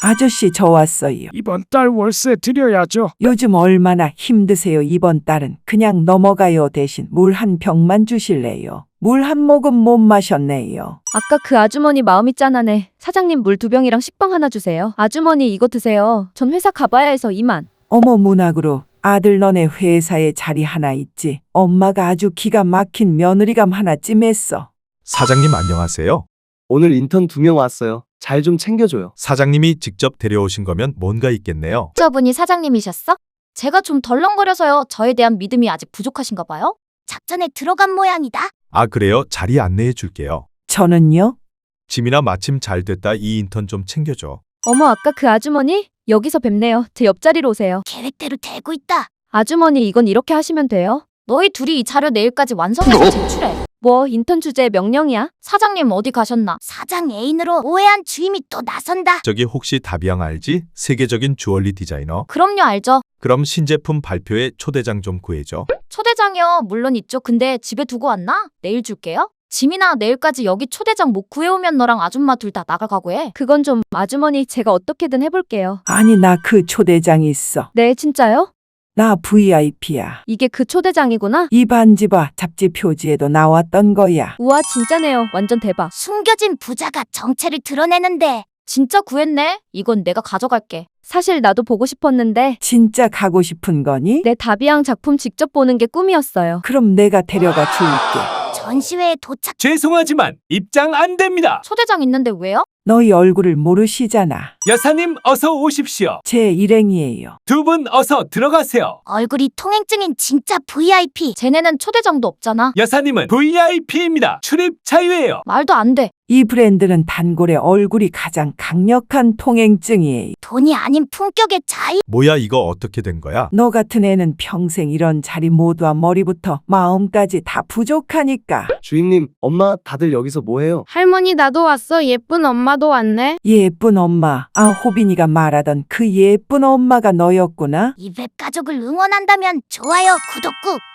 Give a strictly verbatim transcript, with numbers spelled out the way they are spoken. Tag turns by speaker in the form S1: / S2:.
S1: 아저씨 저 왔어요.
S2: 이번 달 월세 드려야죠.
S1: 요즘 얼마나 힘드세요. 이번 달은 그냥 넘어가요. 대신 물 한 병만 주실래요? 물 한 모금 못 마셨네요.
S3: 아까 그 아주머니 마음이 짠하네. 사장님 물 두 병이랑 식빵 하나 주세요. 아주머니 이거 드세요. 전 회사 가봐야 해서 이만.
S1: 어머 문학으로 아들 너네 회사에 자리 하나 있지. 엄마가 아주 기가 막힌 며느리감 하나 찜했어.
S4: 사장님 안녕하세요.
S5: 오늘 인턴 두 명 왔어요. 잘 좀 챙겨줘요.
S4: 사장님이 직접 데려오신 거면 뭔가 있겠네요.
S6: 저분이 사장님이셨어? 제가 좀 덜렁거려서요. 저에 대한 믿음이 아직 부족하신가 봐요. 작전에 들어간 모양이다.
S4: 아 그래요? 자리 안내해 줄게요.
S1: 저는요?
S4: 지민아 마침 잘 됐다. 이 인턴 좀 챙겨줘.
S3: 어머 아까 그 아주머니? 여기서 뵙네요. 제 옆자리로 오세요.
S6: 계획대로 되고 있다.
S3: 아주머니 이건 이렇게 하시면 돼요.
S6: 너희 둘이 이 자료 내일까지 완성해서 제출해.
S3: 뭐 인턴 주제 명령이야?
S6: 사장님 어디 가셨나? 사장 애인으로 오해한 주임이 또 나선다.
S4: 저기 혹시 다비앙 알지? 세계적인 주얼리 디자이너.
S6: 그럼요, 알죠.
S4: 그럼 신제품 발표에 초대장 좀 구해줘.
S6: 초대장이요. 물론 있죠. 근데 집에 두고 왔나? 내일 줄게요. 지민아, 내일까지 여기 초대장 못 구해오면 너랑 아줌마 둘 다 나가 각오해.
S3: 그건 좀 아주머니 제가 어떻게든 해볼게요.
S1: 아니 나 그 초대장 있어.
S3: 네 진짜요?
S1: 나 브이아이피야.
S3: 이게 그 초대장이구나?
S1: 이 반지 봐. 잡지 표지에도 나왔던 거야.
S3: 우와 진짜네요. 완전 대박.
S6: 숨겨진 부자가 정체를 드러내는데. 진짜 구했네? 이건 내가 가져갈게.
S3: 사실 나도 보고 싶었는데
S1: 진짜 가고 싶은 거니?
S3: 내 다비앙 작품 직접 보는 게 꿈이었어요.
S1: 그럼 내가 데려가 줄게.
S6: 전시회에 도착.
S7: 죄송하지만 입장 안 됩니다.
S6: 초대장 있는데 왜요?
S1: 너희 얼굴을 모르시잖아.
S7: 여사님 어서 오십시오.
S1: 제 일행이에요.
S7: 두 분 어서 들어가세요.
S6: 얼굴이 통행증인 진짜 브이아이피. 쟤네는 초대장도 없잖아.
S7: 여사님은 브이아이피입니다. 출입 자유예요.
S6: 말도 안 돼.
S1: 이 브랜드는 단골의 얼굴이 가장 강력한 통행증이에요.
S6: 돈이 아닌 품격의 차이.
S4: 뭐야 이거 어떻게 된 거야?
S1: 너 같은 애는 평생 이런 자리 모두와 머리부터 마음까지 다 부족하니까.
S5: 주임님, 엄마 다들 여기서 뭐해요?
S8: 할머니 나도 왔어. 예쁜 엄마도 왔네.
S1: 예쁜 엄마. 아 호빈이가 말하던 그 예쁜 엄마가 너였구나.
S6: 이 웹 가족을 응원한다면 좋아요, 구독 꾹.